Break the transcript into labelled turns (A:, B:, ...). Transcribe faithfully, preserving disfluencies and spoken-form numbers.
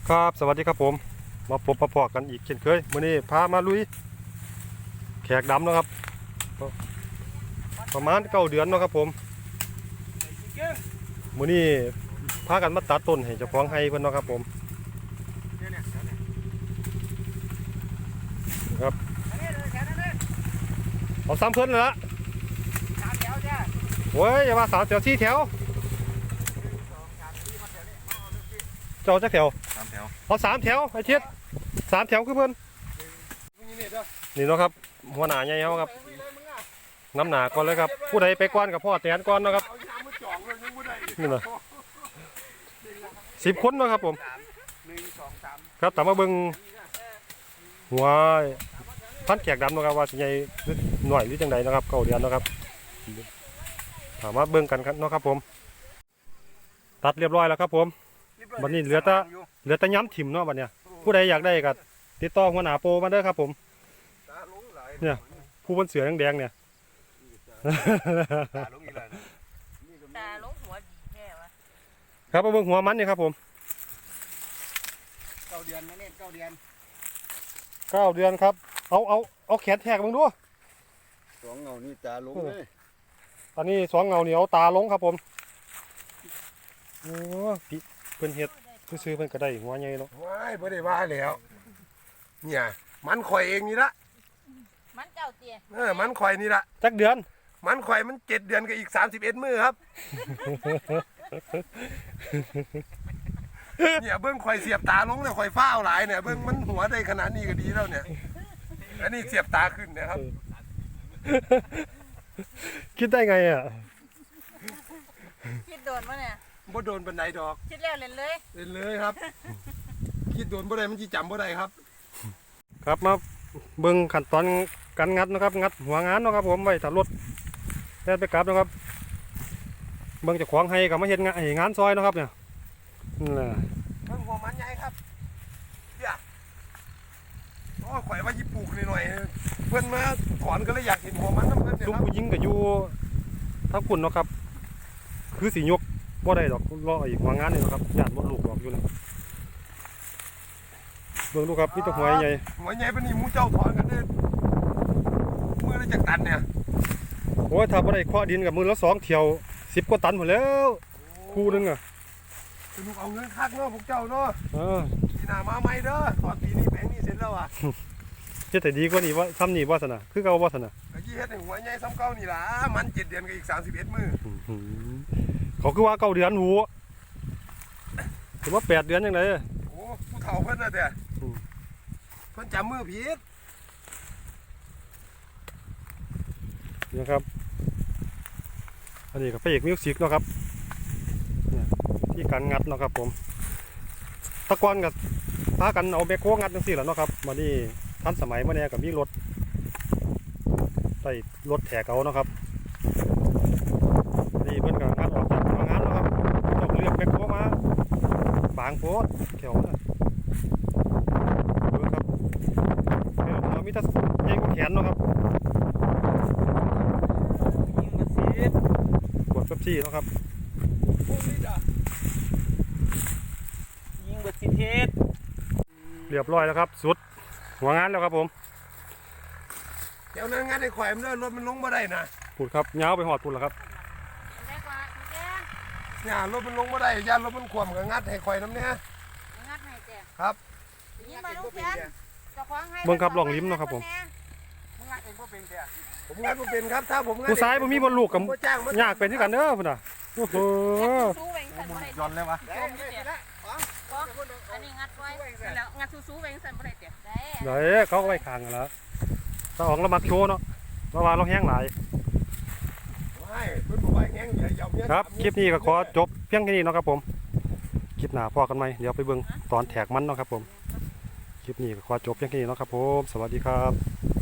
A: ครับสวัสดีครับผมมาพบมาพอกันอีกเช่นเคยมื้อนี้พามาลุยแขกดำนะครับประมาณเก้าเดือนเนาะครับผมมื้อนี้พากันมาตัดต้นให้เจ้าของไร่เพิ่นเนาะครับผมครับเอาซ้ำเพิ่นเลยละโอ้ยอย่ามาสามแถวสี่แถวเจ้าจักแถว
B: สามแถว
A: เอาสามแถวไอ้เทียดสามแถวคือเพิ่นนี่เนาะครับหัวหน้าใหญ่เฮาครับน้ำหนาก่อนเลยครับผู้ใดไปก่อนกับพ่อแตนก่อนเนาะครับนี่เนาะสิบคนเนาะครับผมครับตามมาเบิ่งหัวพันแขกดำเนาะครับว่าสิใหญ่หน่อยหรือจังใดนะครับเก้าเดือนเนาะครับถามมาเบิ่งกันครับเนาะครับผมตัดเรียบร้อยแล้วครับผมวันนี้เหลือแต่เหลือแต่ย้ำถิ่มเนาะวันเนี้ยผู้ใดอยากได้ก็ติดต่อหัวหน้าโปมาเด้อครับผมเนี่ยผู้บนเสือแดงๆเนี่ย
C: ตาลงหัวดีแค่วะ
A: ครับมาเบิ่งหัวมันนี่ครับผม
B: เก้าเดือนนะเนี่ยเก้าเดือน
A: เก้าเดือนครับเอาเอาเอาแขนแทกมึงดู
B: สองเงานี่ตาลงเลย
A: ตอนนี้สองเงาเหนียวตาลงครับผมโอ้พี่เพิ่นเฮ็ดซื้อๆเพิ่นก็ได้หัวใหญ่เนาะ
D: ว้ายบ่ได้ว่าแล้วเนี่ยมันข่อยเองนี่ละ
C: มันเจ้าเตี้ย
D: เออมันข่อยนี่ละ
A: จักเดือน
D: มันข่อยมันเจ็ดเดือนกับอีกสามสิบเอ็ดมื้อครับเนี่ยเบิ้งข่อยเสียบตาลงเนี่ยข่อยฟ้าวหลายเนี่ยเบิ้งมันหัวได้ขนาดนี้ก็ดีแล้วเนี่ยอันนี้เสียบตาขึ้นนะครับ
A: คิดได้ไงอ่ะ
C: คิดโดนปะเนี่ย
D: บ่โดนบันไดดอก
C: คิดแล้วเล่นเลย
D: เล่นเลยครับคิดโดนบ่ได้มันสิจำบ่ได้ครับ
A: ครับมาเบิ่งขั้นตอนการงัดนะครับงัดหัวงานนะครับผมไว้ถ้ารถแล่นไปกลับนะครับเบิ่งเจ้าของให้กับมาเฮ็ดงานงานซอยนะครับเนี่ยนี่แหละ
D: เบิ่งหัวมันใหญ่ครับเนี่ยโอ้ข่อยว่าสิปลูกหน่อยๆเพิ่นมาถอนก็เลยอยากเห็นหัวมันนำเพิ่นเนี่ย
A: ซุ่ม
D: ครับ
A: ผู้หญิงก็อยู่ทั้งคุณเนาะครับคือสิยกบ่ได้ดอกรออีกหัวงานนี่นะครับญาติบ่ลูกดอกอยู่นะเบิ่งดูครับมีแต่หัวใหญ่
D: หัวใหญ่ปานนี้หมู่เจ้าถอนกันเด้อมือละจักตันเนี่ย
A: โอ้ยถ้าบ่ได้เคาะดินกับมือละสองเที่ยวสิบกว่าตันหมดแล้วคู่นึงอ่ะ
D: สนุกเอาเงินคักเนาะพวกเจ้าเนาะ
A: เออ
D: ปีหน้ามาใหม่เด้อตอนปีนี้แปลงนี้เสร็จแล้วอ่ะ
A: เฮ็ดให้ดีกว่านี้ว่าซ้ำนี่บ่ซั่นน่ะคือเก่าบ่ซั่นน่ะ
D: ก็ยี่เฮ็ดให้หัวใหญ่ซ้ำเก่านี่ล่ะมันเจ็ดเดือนกับอีกสามสิบเอ็ดมื้อ
A: เขาคือว่าเก้าเดือนหูถือว่าแปดเดือนจังได๋
D: โอ้ผู้เฒ่าเพิ่นน่ะแต่เพิ่นจำมือผิด
A: นะครับอันนี้ก็พระเอกมิวสิกเนาะครับที่การงัดเนาะครับผมตะกอนกับพากันเอาแบคโฮงัดจังซี่แหละเนาะครับมานี่ทันสมัยมาเนี่ยก็มีรถใส่รถแถกเอาเนาะครับนี่เพิ่นก็งัดออกจากโรงงานเนาะครับต้องเรียกแบคโฮมาบางโพดแถวน่ะเบิ่งครับแถวเรามีแต่ใหญ่กว่าแขนเนาะครับกดเป๊ปซี่เนาะครับ
C: ยิงเบิดสิเทศ
A: เรียบร้อยแล้วครับสุดหัวงานแล้วครับผม
D: เดี๋ยวนั้นงานไอ้ข่อยมันเด้อรถมันลงบ่ได้นะ
A: พูดครับยาวไปหอดพูดแล้วครับ
D: เนี่ยรถมันลงบ่ได้ย่านรถมันขวมกับงัดให้ข่อยน้ำเนี่ย
C: งัดให้แก
D: ครับ
C: ยิงมาลูกแขนเจ้าของให้
A: เบิ่งครับลองลิ้มเนาะครับผม
D: ผมงัดเองบ่เป็นแท้ผมงัดบ่เป็นครับถ้าผมงัด
A: ผู้ชายบ่มีบนลูกกับยากเป็นที่กันเด้อพุ่นน่ะโอ้โห
B: ย้อนเลยวะ
C: อันนี้งัดไว้แล้วงัดซูๆไว้สั่นบ่ได้เตี้ย
A: ได้เด้เขาไว้ข้างกันแล้วตาออกแล้วมักโชว์เนาะเพราะว่าเราแห้งหลายครับคลิปนี้ก็ขอจบเพียงแค่นี้เนาะครับผมคลิปหน้าพอกันไหมเดี๋ยวไปเบิ่งตอนแถกมันเนาะครับผมคลิปนี้ก็ขอจบเพียงแค่นี้เนาะครับผมสวัสดีครับ